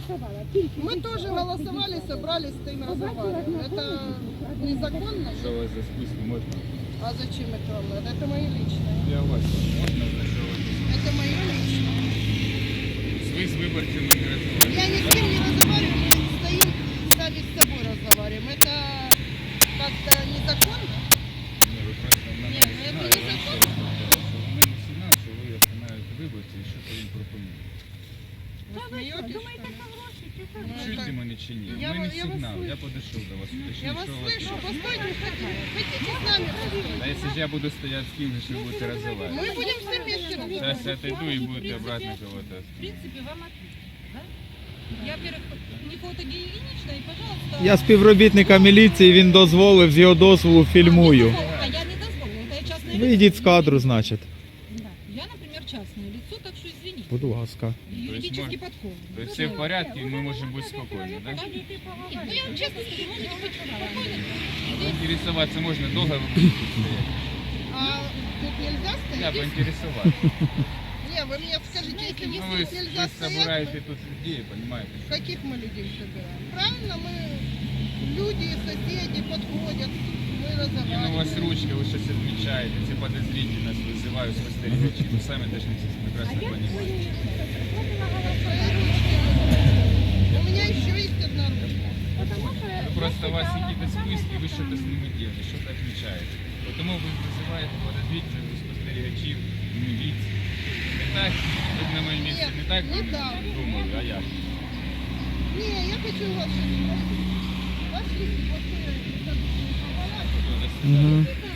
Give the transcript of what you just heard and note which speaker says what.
Speaker 1: Мы тоже голосовали, собрались, стоим, разговариваем. Это незаконно?
Speaker 2: Что у вас за списки можно?
Speaker 1: А зачем это вам надо? Это мое личное.
Speaker 2: Я у вас можно зашивать?
Speaker 1: Это мое личное.
Speaker 2: Вы с выборцем не разговариваете.
Speaker 1: Я ни с кем не разговариваю, мы стоим, сами с собой разговариваем. Это как-то незаконно?
Speaker 2: Ні, ви просто в мене
Speaker 1: Ні, ну,
Speaker 2: сигнал,
Speaker 1: це
Speaker 2: я вам ще раз говорю, що в мене сигнал, що ви остановите виборців і що їм пропонуєте.
Speaker 1: Вы смеетесь, что ли? Ну,
Speaker 2: Чуєте
Speaker 1: это-
Speaker 2: мене чи ні?
Speaker 1: Я
Speaker 2: У мене
Speaker 1: вас
Speaker 2: сигнал,
Speaker 1: слышу.
Speaker 2: я подійшов до вас.
Speaker 1: Я
Speaker 2: Уточніть,
Speaker 1: вас
Speaker 2: що у вас
Speaker 1: слышу.
Speaker 2: є.
Speaker 1: Постойте, хотите с нами постоять?
Speaker 2: А якщо ж я буду стояти з ким, що ви будете розмовляти?
Speaker 1: Мы будем все вместе
Speaker 2: Зараз
Speaker 1: разговаривать.
Speaker 2: я отойду і будете обратно кого-то.
Speaker 3: В принципе, вам ответили, да? Я, во-первых, не фотогенічна і, пожалуйста...
Speaker 4: Я співробітника міліції, він дозволив, з його дозволу фільмую.
Speaker 3: А я не дозволила, это я частное лицо.
Speaker 4: Вийдіть з кадру, значить.
Speaker 3: Да. Я, например, частное лицо, так что извините.
Speaker 4: Будь ласка.
Speaker 3: Юридически
Speaker 2: можно-
Speaker 3: подкован.
Speaker 2: То есть все в порядке, и мы можем быть спокойны, да?
Speaker 3: Ну, я вам честно скажу, можете быть спокойны.
Speaker 2: Интересоваться можно, долго вы будете стоять?
Speaker 1: А тут нельзя
Speaker 2: Я
Speaker 1: стоять?
Speaker 2: поинтересоваться.
Speaker 1: Не, вы мне скажите, если
Speaker 2: Ну,
Speaker 1: здесь
Speaker 2: вы,
Speaker 1: нельзя
Speaker 2: вы
Speaker 1: стоять,
Speaker 2: собираете тут людей, понимаете?
Speaker 1: каких мы людей собираем? Правильно, мы люди, соседи подходят, мы
Speaker 2: Не, ну у вас
Speaker 1: разговариваем.
Speaker 2: ручка, вы сейчас отмечаете, все подозрительность вызывают спостерегачи. Вы сами должны это прекрасно понимать.
Speaker 1: Свои ручки. У меня еще есть одна ручка.
Speaker 2: Ну, просто у вас какие-то списки, вы что-то с ними делаете, что-то отмечаете. Потому вы вызываете подозрительность спостерегачів, міліції. Не так, ви на моєму місці не так
Speaker 1: не так.
Speaker 2: думали, а як?
Speaker 1: Не, я хочу вас что-то спросить. Пошли, вот
Speaker 2: Що, до
Speaker 4: Угу.
Speaker 2: свидання.